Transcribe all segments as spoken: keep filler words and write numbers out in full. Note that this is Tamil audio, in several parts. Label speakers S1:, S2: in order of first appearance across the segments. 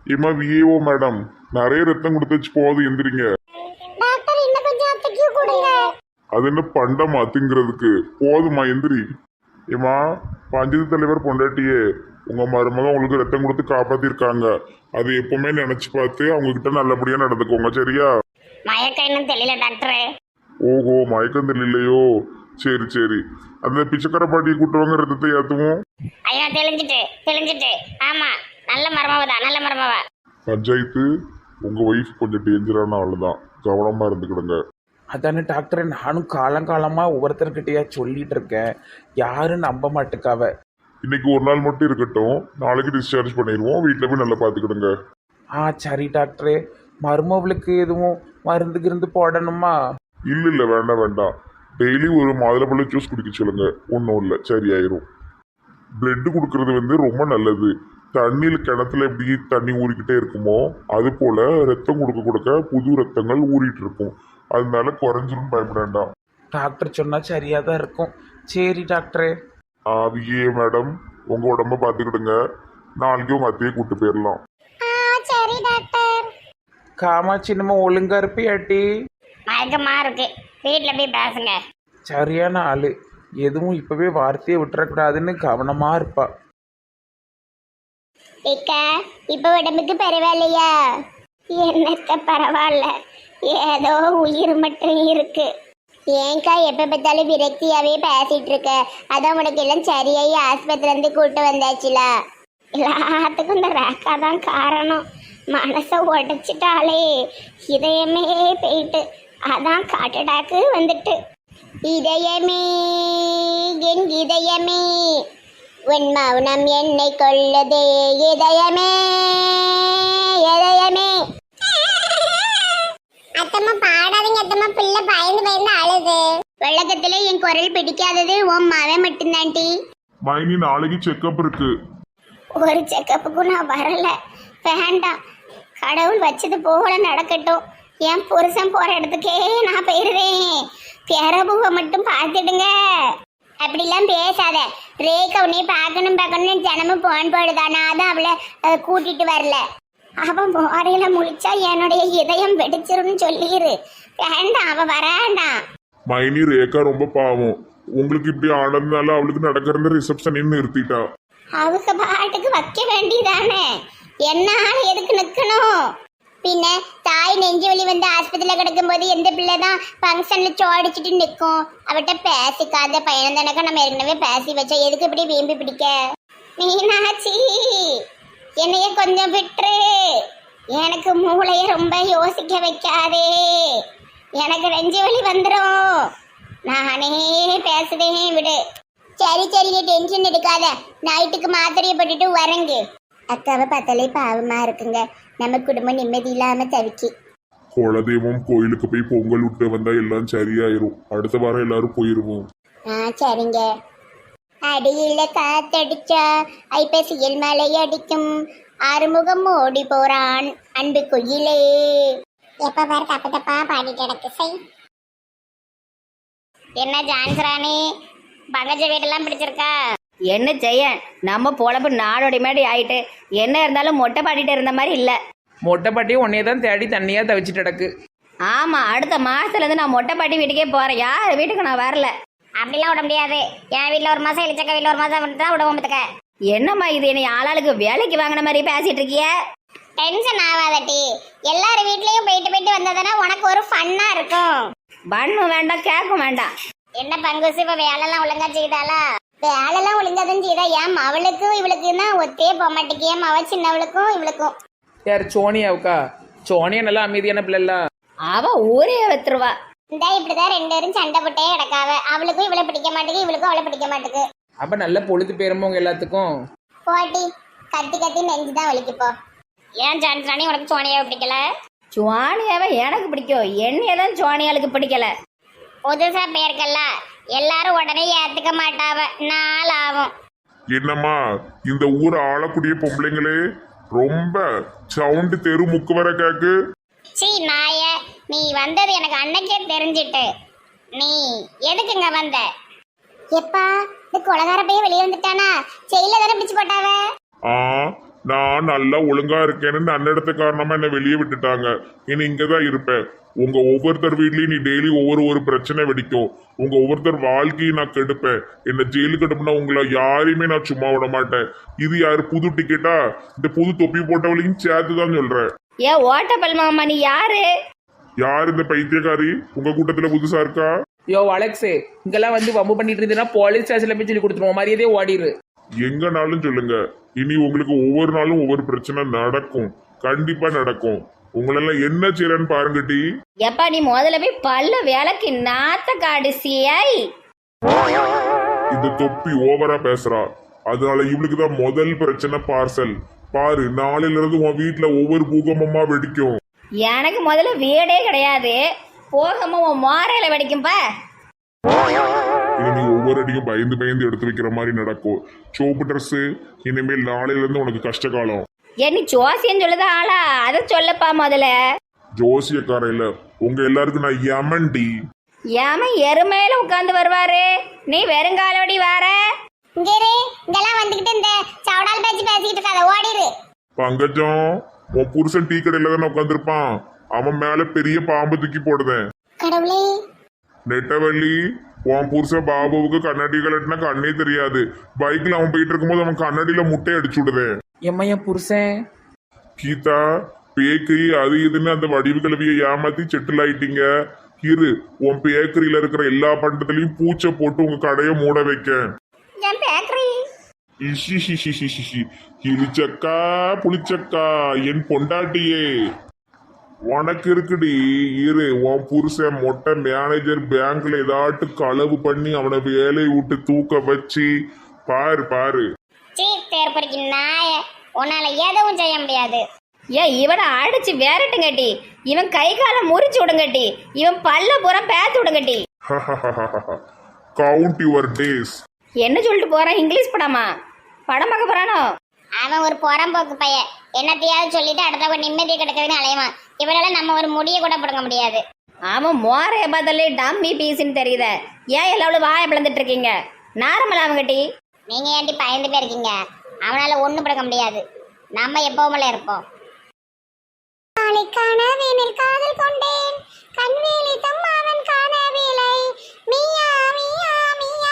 S1: ஏமா விஏஓ மேடம், நிறைய ரத்தம் கொடுத்துச்சு, போகுது எந்திரிங்க.
S2: டாக்டர் இன்னும் கொஞ்சம் அத்தைக்கு கொடுங்க.
S1: அது என்ன பண்டமா திங்கிறதுக்கு? போதுமா எந்திரி. ஏமா பஞ்சாயத்து தலைவர் பொண்டாட்டியே, உங்க மருமகன் உங்களுக்கு ரத்தம் கொடுத்து காப்பாத்திருக்காங்க. அது எப்பவுமே நினைச்சு பார்த்து அவங்க கிட்ட நல்லபடியா நடந்துக்கோங்க, சரியா?
S2: மயக்கம் இன்னும் தெரியல டாக்டரே.
S1: ஓஹோ, மயக்கம் தெரியலையோ? சரி சரி, அந்த பிச்சைக்கார பாட்டியை கூட்டுவாங்க, ரத்தத்தை ஏற்றுவோம்.
S2: ஐயா தெளிஞ்சிட்டு தெளிஞ்சிட்டு. ஆமா, நல்ல மருமவதான், நல்ல மருமவா.
S1: பஞ்சாயத்து, உங்க ஒய்ஃப் கொஞ்சம் டேஞ்சரான ஆள் தான், கவனமா இருந்துக்கிடுங்க.
S3: அதானே டாக்டர், நானும் காலங்காலமாக ஒவ்வொருத்தர்கிட்டயா சொல்லிட்டு இருக்கேன், யாரும் நம்ப மாட்டுக்காவ.
S1: இன்னைக்கு ஒரு நாள் மட்டும் இருக்கட்டும், நாளைக்கு டிஸ்சார்ஜ் பண்ணிடுவோம். வீட்டில் போய் நல்லா பார்த்துக்கிடுங்க.
S3: ஆ சரி டாக்டரே. மருமவளுக்கு எதுவும் மருந்து கிருந்து போடணுமா?
S1: இல்லை இல்லை, வேண்டாம் வேண்டாம். டெய்லி ஒரு மாதுளம்பழ ஜூஸ் குடிக்க சொல்லுங்க, ஒன்றும் இல்லை, சரியாயிரும். பிளட்டு கொடுக்கறது வந்து ரொம்ப நல்லது. தண்ணியில் கிணத்துல எப்படி தண்ணி ஊறிக்கிட்டே இருக்குமோ அது போல ரத்தம் கொடுக்க கொடுக்க புது ரத்தங்கள் ஊறிட்டு இருக்கும். அதனால குறைஞ்சிரும், பயப்பட வேண்டாம்.
S3: டாக்டர் சொன்னா சரியா தான் இருக்கும். சரி டாக்டரே.
S1: ஆவியே மேடம், உங்க உடம்ப பார்த்துக்கிடுங்க. நாளைக்கு உங்க அத்தையை கூட்டு போயிடலாம்.
S2: ஆ சரி டாக்டர்.
S3: காமாட்சி நம்ம ஒழுங்கா இருப்பியாட்டி?
S2: மயக்கமா இருக்கு, வீட்டுல போய் பேசுங்க.
S3: சரியான ஆளு, எதுவும் இப்பவே வார்த்தையை விட்டுறக்கூடாதுன்னு கவனமா இருப்பா.
S2: ஏக்கா, இப்ப உடம்புக்கு பரவாயில்லையா? என்னத்த பரவாயில்ல, ஏதோ உயிர் மட்டும் இருக்கு. ஏன்க்கா எப்ப பார்த்தாலும் விரக்தியாவே பேசிட்டு இருக்க? அதான் உனக்கு எல்லாம் சரியாயி ஆஸ்பத்திரில இருந்து கூட்டு வந்தாச்சுல. எல்லாத்துக்கும் இந்த ரேக்கா தான் காரணம். மனசை உடைச்சிட்டாலே இதயமே போயிட்டு, அதான் காட்டடாக்கு வந்துட்டு. இதயமே என் இதயமே, உன் மௌனம் என்னை கொள்ளதே. இதயமே இதயமே. அத்தம்மா பாடாதீங்க அத்தம்மா, பிள்ளை பயந்து பயந்து அழுது. வெள்ளக்கத்துல என் குரல் பிடிக்காதது உன் மவன் மட்டும்தான்டி.
S1: மைனி, நாளைக்கு செக்கப் இருக்கு.
S2: ஒரு செக்கப்புக்கும் நான் வரல, வேண்டாம். கடவுள் வச்சது போகல நடக்கட்டும். என் புருஷன் போற இடத்துக்கே நான் போயிருவேன். பிறபுவை மட்டும் பார்த்துடுங்க. அப்படிலாம் பேசாத ரேகா, உன்னை பார்க்கணும் பார்க்கணும்னு தினமும் போன் போடுதானா, அதான் அவளை கூட்டிட்டு வரல. அவன் மோரையில முழிச்சா என்னுடைய இதயம் வெடிச்சிருன்னு சொல்லிடு. வேண்டாம், அவ வராண்டாம்.
S1: மைனி, ரேகா ரொம்ப பாவம். உங்களுக்கு இப்படி ஆனதுனால அவளுக்கு நடக்கிற ரிசப்ஷன் நிறுத்திட்டா.
S2: அவங்க பாட்டுக்கு வைக்க வேண்டியதானே, என்ன எதுக்கு நிக்கணும்? பின்ன தாய் நெஞ்சு வலி வந்து ஆஸ்பத்திரியில கிடக்கும் போது எந்த பிள்ளைதான் ஃபங்க்ஷன்ல சோடிச்சுட்டு நிற்கும்? அவட்ட பேசிக்காத பையன் தானக்கா, நம்ம ஏற்கனவே பேசி வச்சா, எதுக்கு இப்படி வீம்பி பிடிக்க? மீனாட்சி, என்னைய கொஞ்சம் விட்டுரு. எனக்கு மூளைய ரொம்ப யோசிக்க வைக்காதே, எனக்கு நெஞ்சு வலி வந்துடும். நானே பேசுதேன், விடு. சரி சரி, நீ டென்ஷன் எடுக்காத. நைட்டுக்கு மாத்திரையை போட்டுட்டு வரங்கு. அக்காவை பார்த்தாலே பாவமா இருக்குங்க, நம்ம குடும்பம் நிம்மதி இல்லாம தவிக்கி.
S1: குலதெய்வம் கோயிலுக்கு போய் பொங்கல் விட்டு வந்தா எல்லாம் சரியாயிரும். அடுத்த வாரம் எல்லாரும் போயிருவோம்.
S2: ஆ சரிங்க. அடியில காத்தடிச்சா ஐப்பசியில் மலை அடிக்கும், ஆறுமுகம் ஓடி போறான் அன்பு குயிலே. எப்ப பாரு தப்பு தப்பா பாடிட்டு கிடக்கு. சை, என்ன ஜான்சராணி, பங்கஜ வீடெல்லாம் பிடிச்சிருக்கா?
S4: என்ன செய்ய, நம்ம பொழப்பு நாடோடி மேடி ஆயிட்டு, என்ன இருந்தாலும் மொட்டை பாடிட்டு இருந்த மாதிரி இல்லை.
S3: மொட்டை பாட்டி உன்னையே தான் தேடி தண்ணியா தவிச்சிட்டு கிடக்கு.
S4: ஆமாம், அடுத்த மாதத்துலேருந்து நான் மொட்டை பாட்டி வீட்டுக்கே போகிறேன். யார் வீட்டுக்கு நான் வரல.
S2: அப்படிலாம் விட முடியாது. என் வீட்டில் ஒரு மாசம், இளிச்சக்கா வீட்டில் ஒரு மாசம் தான் விடுவோம். பார்த்துக்க.
S4: என்னம்மா இது, என்னை ஆளாளுக்கு வேலைக்கு வாங்கின மாதிரி பேசிட்டு இருக்கிய?
S2: டென்ஷன் ஆகாதட்டி, எல்லாரும் வீட்லயும் போயிட்டு போயிட்டு வந்ததுன்னா உனக்கு ஒரு ஃபன்னா இருக்கும்.
S4: பண்ணும் வேண்டாம், கேட்கும் வேண்டாம்.
S2: என்ன பங்குசு, இப்ப வேலைலாம் ஒழுங்கா செய்தாளா? வேலைலாம் ஒழுங்கா தான் செய்தா. ஏன் அவளுக்கும் இவளுக்கும் தான் ஒத்தே போக மாட்டேங்க. ஏன் அவ சின்னவளுக்கும் இவளுக்கும்.
S3: யார் சோனியாவுக்கா? சோனியா நல்லா அமைதியான பிள்ளைல.
S4: அவ ஊரே வைத்துருவா.
S2: இந்த இப்படிதான் ரெண்டு பேரும் சண்டை போட்டே கிடக்காவ. அவளுக்கும் இவளை பிடிக்க மாட்டேங்குது, இவளுக்கும் அவளை பிடிக்க மாட்டேங்குது.
S3: அப்ப நல்ல பொழுது பேருமோ உங்க எல்லாத்துக்கும்.
S2: போட்டி கத்தி கத்தி நெஞ்சுதான் வலிக்குப்போ. ஏன் சான்ஸ்ராணி, உனக்கு சோனியாவை பிடிக்கல?
S4: சுவானியாவை எனக்கு பிடிக்கும், என்னைய தான் சுவானியாளுக்கு பிடிக்கல.
S2: புதுசா பேருக்கல்ல, எல்லாரும் உடனே ஏத்துக்க மாட்டாவ, நாள் ஆகும்.
S1: என்னம்மா, இந்த ஊர் ஆளக்கூடிய பொம்பளைங்களே ரொம்ப சவுண்டு தெரு முக்கு வர கேக்கு.
S2: சீ நாய, நீ வந்தது எனக்கு அன்னைக்கே தெரிஞ்சிட்டு. நீ எதுக்குங்க வந்த? எப்பா, இந்த கொலகார பையன் வெளியே வந்துட்டானா? செயல தானே பிடிச்சு போட்டாவ.
S1: ஆ, நான் நல்லா ஒழுங்கா இருக்கேன்னு அன்னடத்த காரணமா என்ன வெளியே விட்டுட்டாங்க. இனி இங்கதான் இருப்பேன். உங்க ஒவ்வொருத்தர் வீட்லயும் நீ டெய்லி ஒவ்வொரு ஒரு பிரச்சனை வெடிக்கும். உங்க ஒவ்வொருத்தர் வாழ்க்கையை நான் கெடுப்பேன். என்ன ஜெயிலுக்கு கெடுப்புனா உங்களை யாரையுமே நான் சும்மா விட மாட்டேன். இது யாரு புது டிக்கெட்டா? இந்த புது தொப்பி போட்டவளையும் சேர்த்துதான் சொல்றேன்.
S4: ஏ ஓட்டப்பல் மாமா நீ யாரு?
S1: யார் இந்த பைத்தியக்காரி உங்க கூட்டத்துல புதுசா இருக்கா?
S3: யோ அலெக்ஸு, இங்கெல்லாம் வந்து வம்பு பண்ணிட்டு இருந்தீங்கன்னா போலீஸ் ஸ்டேஷன்ல போய் சொல்லி கொடுத்துருவோம். மரியாதையே ஓடிடு.
S1: எங்கனாலும் சொல்லுங்க. இனி உங்களுக்கு ஒவ்வொரு நாளும் ஒவ்வொரு பிரச்சனை நடக்கும். கண்டிப்பா நடக்கும். உங்களெல்லாம் என்ன செய்யறேன்னு பாருங்கட்டி.
S4: எப்பா நீ முதல்ல போய் பல்ல வேலைக்கு நாத்த காடு சியாய்.
S1: இந்த தொப்பி ஓவரா பேசுறா. அதனால இவளுக்கு தான் முதல் பிரச்சனை பார்சல். பாரு, நாளையில இருந்து உன் வீட்டுல ஒவ்வொரு பூகம்பமா வெடிக்கும்.
S4: எனக்கு முதல்ல வீடே கிடையாது. போகாம உன் மோரையில வெடிக்கும்பா.
S1: இனி நீ ஒவ்வொரு அடியும் பயந்து பயந்து எடுத்து வைக்கிற மாதிரி நடக்கும். சோப்பு ட்ரெஸ் இனிமேல் நாளையில இருந்து உனக்கு கஷ்ட காலம்.
S4: ஏ நீ ஜோசியம் சொல்லுதா ஆளா? அதை சொல்லப்பா முதல்ல.
S1: ஜோசியக்கார இல்ல, உங்க எல்லாருக்கும் நான் யமன்டி.
S4: ஏமா எருமையில உட்காந்து வருவாரு, நீ வெறுங்காலோடி வார.
S2: இங்க இரு, இங்கெல்லாம் வந்துகிட்டு இந்த சவடால் பேச்சு பேசிக்கிட்டு இருக்காத, ஓடிரு.
S1: பங்கஜம், உன் புருஷன் டீ கடையில தானே உட்காந்துருப்பான். அவன் மேல பெரிய பாம்பு தூக்கி போடுதேன்.
S2: கடவுளே,
S1: நெட்டவள்ளி, உன் புருஷன் பாபுவுக்கு கண்ணாடி கலட்டினா கண்ணே தெரியாது. பைக்ல அவன் போயிட்டு இருக்கும்போது அவன் கண்ணாடியில முட்டை அடிச்சு விடுதேன்.
S3: எம்மா என் புருஷன்.
S1: கீதா, பேக்கரி அது இதுன்னு அந்த வடிவு கல்வியை ஏமாத்தி செட்டில் ஆயிட்டீங்க. இரு, உன் பேக்கரியில இருக்கிற எல்லா பண்டத்திலையும் பூச்சை போட்டு உங்க கடையை மூட வைக்க.
S2: என் பேக்கரி.
S1: இஷி இழிச்சக்கா புளிச்சக்கா என் பொண்டாட்டியே உனக்கு இருக்குடி. இரு, உன் புருஷன் மொட்டை மேனேஜர் பேங்க்ல ஏதாட்டு களவு பண்ணி அவனை வேலையை விட்டு தூக்க வச்சு பாரு பாரு.
S2: சீ தேர்ப்பறிக்கு நாய, உன்னால எதுவும் செய்ய முடியாது.
S4: ஏ இவனை அடிச்சு வேறட்டுங்கட்டி, இவன் கை காலை முறிச்சு விடுங்கட்டி, இவன் பல்ல பூரா பேத்து விடுங்கட்டி.
S1: Count your days.
S4: என்ன சொல்லிட்டு போறான்? இங்கிலீஷ் படமா? படம் பார்க்க போறானோ?
S2: அவன் ஒரு புறம்போக்கு பையன். என்னத்தையாவது சொல்லிட்டு அடுத்தவங்க நிம்மதியை கிடக்குதுன்னு அலைவான். இவனால நம்ம ஒரு முடியை கூட பிடுங்க முடியாது.
S4: அவன் மோரைய பார்த்தாலே டம்மி பீஸ்ன்னு தெரியுத. ஏன் எல்லாவளும் வாயை பிளந்துட்டு இருக்கீங்க? நார்மல் அவங்கட்டி.
S2: நீங்க ஏன்டி பயந்து போயிருக்கீங்க? அவனால ஒண்ணும் பிடுங்க முடியாது. நம்ம எப்பவுமே இருப்போம். காதல் கொண்டேன் கண்வேலி தம்மாவன் காணவில்லை. மியா மியா மியா.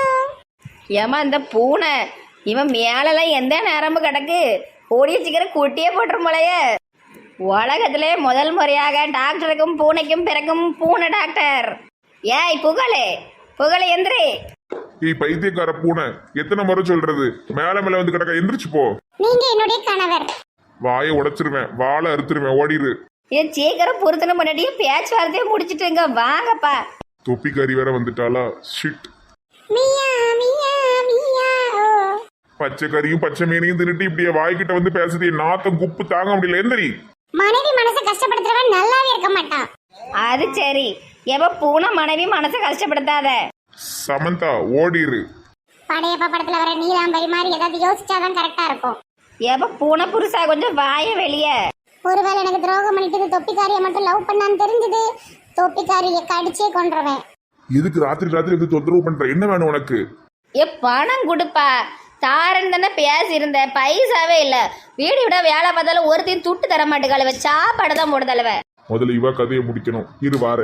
S4: ஏமா இந்த பூனை இவன் மேலெல்லாம் எந்த நரம்பு கிடக்கு? கூடிய சீக்கிரம் குட்டியே போட்டுரும் போலய. உலகத்திலே முதல் முறையாக டாக்டருக்கும் பூனைக்கும் பிறக்கும் பூனை டாக்டர். ஏய் புகழே, புகழே எந்திரி.
S1: நீ பைத்தியக்கார பூனை, எத்தனை முறை சொல்றது? மேல மேல வந்து கிடக்க, எந்திரிச்சு போ.
S2: நீங்க என்னுடைய கணவர்.
S1: வாயை உடைச்சிருவேன், வாழை அறுத்துருவேன், ஓடிரு.
S4: என் சீக்கிரம் பொருத்தனை முன்னாடியே பேச்சுவார்த்தையே முடிச்சுட்டுங்க, வாங்கப்பா.
S1: தொப்பிக்காரி வேற வந்துட்டாளா? ஷிட்.
S2: மியா மியா மியா.
S1: பச்சைக்கறியும் பச்சை மீனையும் தின்னுட்டு இப்படியே வாய்க்கிட்ட வந்து பேசுது. நாத்தம் குப்பு தாங்க முடியல. எந்திரி.
S2: மனைவி மனசை கஷ்டப்படுத்துறவன் நல்லாவே இருக்க மாட்டான்.
S4: அது சரி. எப்ப பூனை மனைவி மனசை கஷ்டப்படுத்தாத.
S1: சமந்தா, ஓடிரு.
S2: படையப்பா படத்துல வர நீலாம்பரி மாதிரி ஏதாவது யோசிச்சாதான் கரெக்டா இருக்கும்.
S4: எப்ப பூனை புருஷா கொஞ்சம் வாய வெளிய.
S2: ஒருவேளை எனக்கு துரோகம் பண்ணிட்டு தொப்பிக்காரியை மட்டும் லவ் பண்ணான்னு தெரிஞ்சது, தொப்பிக்காரியை கடிச்சே கொன்றுவேன்.
S1: எதுக்கு ராத்திரி ராத்திரி வந்து தொந்தரவு பண்ற? என்ன வேணும் உனக்கு?
S4: ஏ பணம் கொடுப்பா. தாரன் தானே பேசி இருந்த, பைசாவே இல்ல. வீடு விட வேலை பார்த்தாலும் ஒருத்தையும் துட்டு தர மாட்டேங்காலவ. சாப்பாடு தான் போட தலைவ.
S1: முதல்ல இவ கதையை முடிக்கணும். இரு வார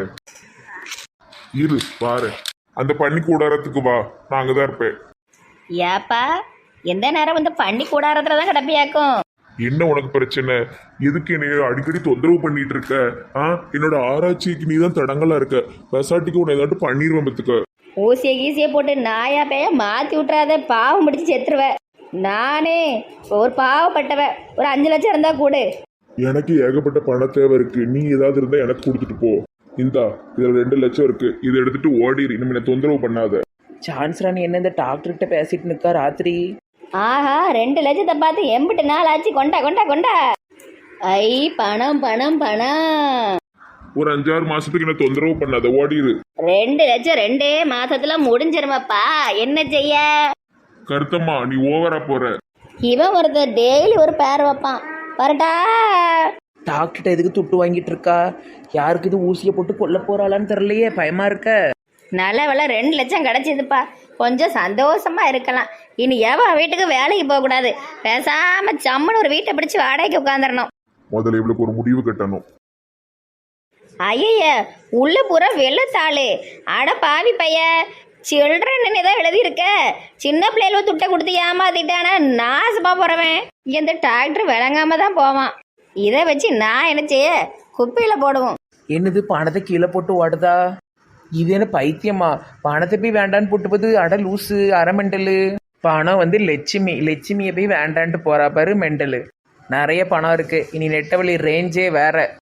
S1: இரு வார அந்த பண்ணி கூடாரத்துக்கு வா, நான் அங்கதான் இருப்பேன்.
S4: ஏப்பா எந்த நேரம் வந்து பண்ணி கூடாரத்துலதான் கிடப்பியாக்கும்.
S1: என்ன உனக்கு பிரச்சனை? எதுக்கு என்னைய அடிக்கடி தொந்தரவு பண்ணிட்டு இருக்க? ஆ, என்னோட ஆராய்ச்சிக்கு நீ தான் தடங்கலா இருக்க. பெசாட்டிக்கு உன்னை ஏதாட்டு பண்ணிடுவேன் பத்துக்க.
S4: ஊசியை கீசியை போட்டு நாயா பேய மாத்தி விட்டுறாத, பாவம் பிடிச்சி செத்துருவ. நானே ஒரு பாவப்பட்டவ. ஒரு அஞ்சு லட்சம் இருந்தா கூடு.
S1: எனக்கு ஏகப்பட்ட பண தேவை இருக்கு. நீ ஏதாவது இருந்தா எனக்கு கொடுத்துட்டு போ. இந்தா, இதுல ரெண்டு லட்சம் இருக்கு. இதை எடுத்துட்டு ஓடிடு. இனிமே தொந்தரவு பண்ணாத.
S3: சான்ஸ் ராணி என்ன இந்த டாக்டர்கிட்ட பேசிட்டு நிக்கா ராத்திரி?
S4: ஆஹா, ரெண்டு லட்சத்தை பார்த்து எம்பிட்டு நாள் ஆச்சு. கொண்டா கொண்டா கொண்டா. ஐ பணம் பணம் பணம்.
S1: ஒரு அஞ்சாறு மாசத்துக்கு என்ன தொந்தரவு பண்ணாத, ஓடிடு.
S4: ரெண்டு லட்சம் ரெண்டே மாசத்துல முடிஞ்சிருமாப்பா. என்ன செய்ய?
S1: கருத்தம்மா, நீ ஓவரா போற.
S4: இவன் ஒருத்தர் டெய்லி ஒரு பேர் வைப்பான். வரட்டா.
S3: டாக்டர்கிட்ட எதுக்கு துட்டு வாங்கிட்டு இருக்கா? யாருக்கு இது ஊசியை போட்டு கொல்ல போறாளான்னு தெரியலையே, பயமா இருக்க.
S4: நல்ல வேலை ரெண்டு லட்சம் கிடைச்சதுப்பா. கொஞ்சம் சந்தோஷமா இருக்கலாம். இனி எவ வீட்டுக்கு வேலைக்கு போகக்கூடாது. பேசாம சம்மன் ஒரு வீட்டை பிடிச்சி வாடகைக்கு உட்காந்துடணும்.
S1: முதல்ல இவளுக்கு ஒரு முடிவு கட்டணும்.
S4: ஐய உள்ள பூரா வெள்ளத்தாளு. அட பாவி பைய, சில்ட்ரன் தான் எழுதியிருக்க. சின்ன பிள்ளைகள துட்டை கொடுத்து ஏமாத்திட்டானா நாசமா போறவன். இந்த டாக்டர் விளங்காம தான் போவான். இதை வச்சு நான் என்ன செய்ய? குப்பையில போடுவோம்.
S3: என்னது பணத்தை கீழே போட்டு ஓடுதா? இது என்ன பைத்தியமா? பணத்தை போய் வேண்டான்னு போட்டு போது அட லூஸு அரை மெண்டலு. பணம் வந்து லட்சுமி, லட்சுமியை போய் வேண்டான்ட்டு போறா பாரு மெண்டலு. நிறைய பணம் இருக்கு. இனி நெட்டவழி ரேஞ்சே வேற.